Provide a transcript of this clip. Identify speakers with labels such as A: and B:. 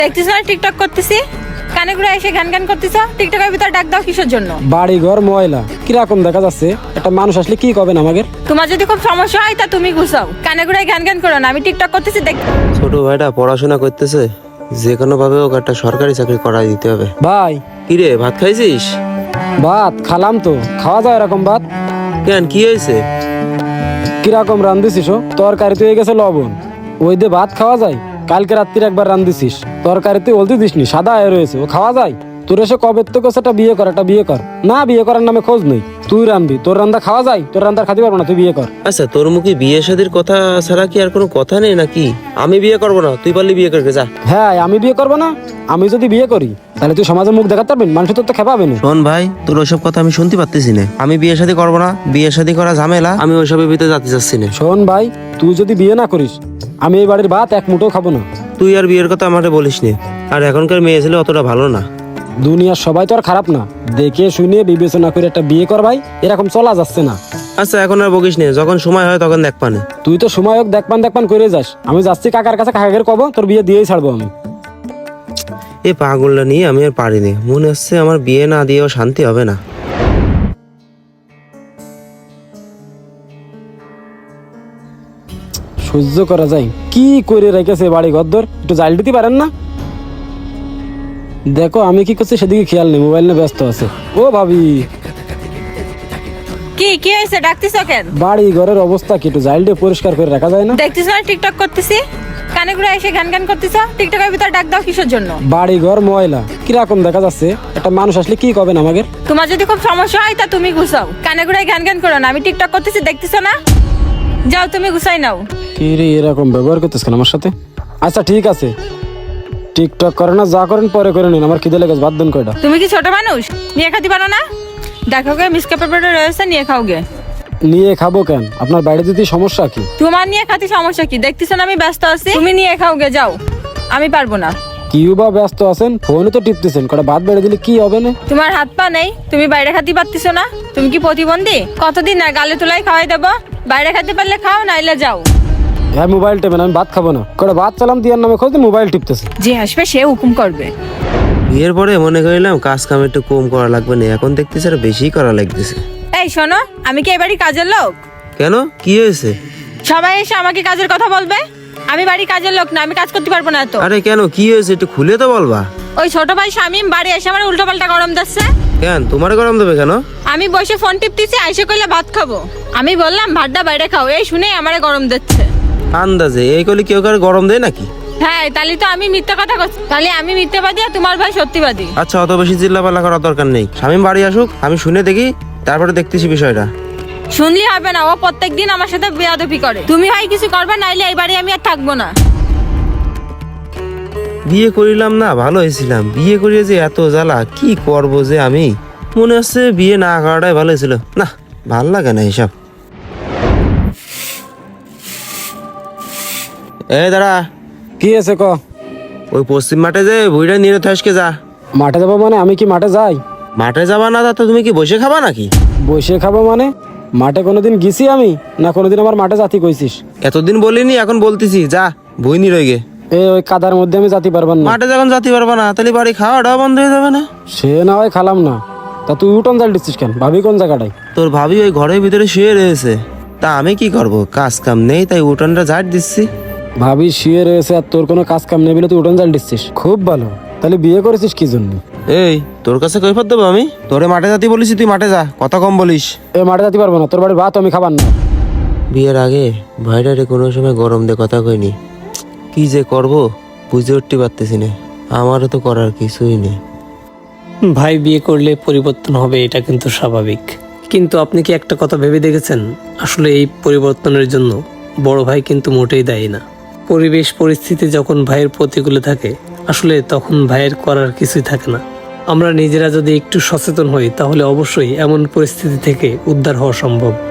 A: দেখতেছ না টিকটক করতেছি, কানে ঘুরে এসে গান গান করতেছ। টিকটকের ভিতর ডাক দাও কিসের জন্য?
B: বাড়ি ঘর ময়লা কিরকম দেখা যাচ্ছে, একটা মানুষ আসলে কি করবেন আমাদের?
A: তোমার যদি খুব সমস্যা হয় তা তুমি গুছাও, কানে ঘুরে গান গান করো না। আমি টিকটক করতেছি দেখ।
C: ছোট ভাইটা পড়াশোনা করতেছে, যে কোনো ভাবে ওকে একটা সরকারি চাকরি করাই দিতে হবে।
B: ভাই
C: কিরে, ভাত খাইছিস?
B: ভাত খালাম তো, খাওয়া যায় এরকম ভাত?
C: কেন, কি হয়েছে?
B: কিরকম রান্ধিছিস? তরকারিতে হয়ে গেছে লবণ, ওই দিয়ে ভাত খাওয়া যায়? কালকে রাত্রির একবার রান্ধিছিস, তরকারিতে হলদি দিসনি, সাদা হয়ে রয়েছে, ও খাওয়া যায়? তোর এসে কবে তো কোস একটা বিয়ে কর, একটা বিয়ে কর না, বিয়ে করার নামে খোঁজ নেই। তুই রান্ধবি, তোর রান্না খাওয়া যায়? তোর রান্নার খাতে পারবো না, তুই বিয়ে কর।
C: আচ্ছা, তোর মুখে বিয়ে শাদীর কথা ছাড়া কি আর কোনো কথা নেই নাকি? আমি বিয়ে করবো না, তুই পারলি বিয়ে করকে যা।
B: হ্যাঁ, আমি বিয়ে করবো না? আমি যদি বিয়ে করি তাহলে তুই সমাজে মুখ দেখাতে পারবি? মানুষ তোর তো খেপাবে না।
C: শোন ভাই, তোর ওইসব কথা আমি শুনতে পারতেছি না। আমি বিয়ে শাদী করবো না, বিয়ে শাদী করা ঝামেলা, আমি ওইসবের ভিতরে যেতে চাচ্ছি না।
B: শোন ভাই, তুই যদি বিয়ে না করিস আমি এই বাড়ির ভাত এক মুঠো খাবো না।
C: তুই আর বিয়ের কথা আমাকে বলিস নে। আর এখনকার মেয়ে ছেলে অতটা ভালো না।
B: দুনিয়ার সবাই তো আর খারাপ না, দেখে শুনে বিবেচনা করে একটা বিয়ে কর ভাই, এরকম চলা যাচ্ছে না।
C: আচ্ছা, এখন আর বকিস নে, যখন সময় হয় তখন দেখ পানে।
B: তুই তো সময় হোক দেখপান করে যাস। আমি যাচ্ছি কাকার কাছে, কাকাকে কব তোর বিয়ে দিয়েই ছাড়বো আমি।
C: এই পাগলটা নিয়ে আমি আর পারিনি, মনে হচ্ছে আমার বিয়ে না দিয়েও শান্তি হবে না।
B: সহ্য করা যায়? কি করে রেখেছে বাড়ি ঘরদর, একটু জাল দিতে পারেন না? দেখো আমি কি করছি সেদিকে খেয়াল নেই, মোবাইল নিয়ে ব্যস্ত আছে। ও ভাবি,
A: কি কি হয়েছে? ডাকতেছ কেন?
B: বাড়ি ঘরের অবস্থা কি, একটু জাল দিয়ে পরিষ্কার করে রাখা যায় না?
A: দেখতেছ না টিকটক করতেছি, কানে ঘুরে এসে গান গান করতেছ। টিকটকের ভিতর ডাক দাও কিসের জন্য?
B: বাড়ি ঘর ময়লা কিরকম দেখা যাচ্ছে, একটা মানুষ আসলে কি করবেন আমাদের?
A: তোমার যদি খুব সমস্যা হয় তা তুমি গুছাও, কানে ঘুরে গান গান করো না। আমি টিকটক করতেছি দেখতেছ না? যাও তুমি গুছাই নাও।
B: কি রে, এরকম ব্যবহার করতেছ কেন আমার সাথে? আচ্ছা ঠিক আছে, টিকটক করে না, যা করেন পরে করে নিন, আমার খিদে লেগেছে, ভাত দেন কয়টা।
A: তুমি কি ছোট মানুষ? নিয়ে খাতে পারো না? দেখো গে মিসকা পেপারটা রয়েছে, নিয়ে খাও গে।
B: নিয়ে খাবো কেন? আপনার বাড়ি দিতে সমস্যা কি?
A: তোমার নিয়ে খাতে সমস্যা কি? দেখতেছ না আমি ব্যস্ত আছি, তুমি নিয়ে খাও গে যাও। আমি পারবো না।
B: কি বা ব্যস্ত আছেন? ফোনে তো টিপতেছেন, কটা ভাত বেড়ে দিলে কি হবে না?
A: তোমার হাত পা নেই, তুমি বাইরে খাতে পারতেছ না? তুমি কি প্রতিবন্ধী? কতদিন না গালে তোলাই খাওয়াই দেবো? বাইরে খেতে পারলে খাও, নাইলে যাও।
B: হ্যাঁ, মোবাইল টেপেন, আমি ভাত খাবো না। কটা ভাত চালাম দিয়ার নামে খোঁজ মোবাইল টিপতেছে।
A: যে আসবে সে হুকুম করবে।
C: বিয়ের পরে মনে করিলাম কাজ কাম একটু কম করা লাগবে না, এখন দেখতেছি আর বেশি করা লাগতেছে।
A: এই শোনো, আমি কি এবারই কাজের লোক?
C: কেন, কি হয়েছে?
A: সবাই এসে আমাকে কাজের কথা বলবে? আমি বাড়ি কাজের লোক না, আমি কাজ করতে পারবো না তো।
C: আরে কেন, কি হয়েছে একটু খুলে তো বলবা।
A: ওই ছোট ভাই শামিম বাড়ি এসে আমার উল্টো পাল্টা গরম দিচ্ছে।
C: কেন, তোমার গরম দেবে কেন?
A: আমি বসে ফোন টিপতেছি, আইসে কইলে ভাত খাবো। আমি বললাম ভাতটা বাইরে খাও, এই শুনে আমারে গরম দিচ্ছে।
C: আন্দাজে এই কলি কেউ কার গরম দেয় নাকি?
A: হ্যাঁ, তাহলে তো আমি মিথ্যা কথা করছি। তাহলে আমি মিথ্যাবাদী আর তোমার ভাই সত্যিবাদী।
C: আচ্ছা, অত বেশি চিল্লাপাল্লা করার দরকার নেই। শামীম বাড়ি আসুক, আমি শুনে দেখি, তারপরে দেখতেছি বিষয়টা।
A: শুনলি হবে না, ও প্রত্যেকদিন আমার সাথে বেয়াদবি করে। তুমি হয় কিছু করবে, নাইলে এই বাড়ি আমি আর থাকবো না।
C: বিয়ে করিলাম না, ভালো হয়েছিলাম। বিয়ে করিয়ে যে এত জ্বালা, কি করব যে আমি। মনে হচ্ছে বিয়ে না করাটাই ভালো হয়েছিল। না, ভাল লাগে না এসব। দাঁড়া,
B: কি আছে ক?
C: ওই পশ্চিম মাঠে যে বুড়িটা নিয়ে থাসকে যা।
B: মাঠে যাবো মানে? আমি কি মাঠে যাই?
C: মাঠে যাবা না তা তো তুমি কি বসে খাবা নাকি?
B: বসে খাবো মানে? মাঠে কোনোদিন গেছি আমি? না কোনোদিন আমার মাঠে জাতি কইছিস?
C: এতদিন বলিনি, এখন বলতেছি, যা বই নি রয়ে গে।
B: ওই কাদার মধ্যে আমি জাতি পারবেন না।
C: মাঠে যখন যাতে পারবা না, তাহলে বাড়ি খাওয়াটাও বন্ধ হয়ে যাবে না?
B: সে না হয় খালাম না, তা তুই উঠোন জাল দিচ্ছিস কেন? ভাবি কোন জায়গাটায়?
C: তোর ভাবি ওই ঘরের ভিতরে শুয়ে রয়েছে, তা আমি কি করব? কাজ কাম নেই, তাই উঠোনটা ঝাড় দিচ্ছি।
B: ভাবি শুয়ে রয়েছে আর তোর কোনো কাজ কাম নেই বলে তুই উঠোন জাল দিচ্ছিস? খুব ভালো। তাহলে বিয়ে করেছিস কি জন্য?
C: এই, তোর কাছে কৈফত দেবো আমি? তোরে মাঠে যাতে বলিস, তুই মাঠে যা, কথা কম বলিস।
B: মাঠে যেতে পারবো না, তোর বাড়ির ভাত আমি খাবার না।
C: বিয়ের আগে ভাইটারে কোনো সময় গরম দিয়ে কথা কইনি। কি যে করব বুঝে উঠতে পারতেছি না। আমারও তো করার কিছুই নেই।
D: ভাই বিয়ে করলে পরিবর্তন হবে, এটা কিন্তু স্বাভাবিক। কিন্তু আপনি কি একটা কথা ভেবে দেখেছেন, আসলে এই পরিবর্তনের জন্য বড় ভাই কিন্তু মোটেই দায়ী না। পরিবেশ পরিস্থিতি যখন ভাইয়ের প্রতিকূলে থাকে, আসলে তখন ভাইয়ের করার কিছুই থাকে না। আমরা নিজেরা যদি একটু সচেতন হই, তাহলে অবশ্যই এমন পরিস্থিতি থেকে উদ্ধার হওয়া সম্ভব।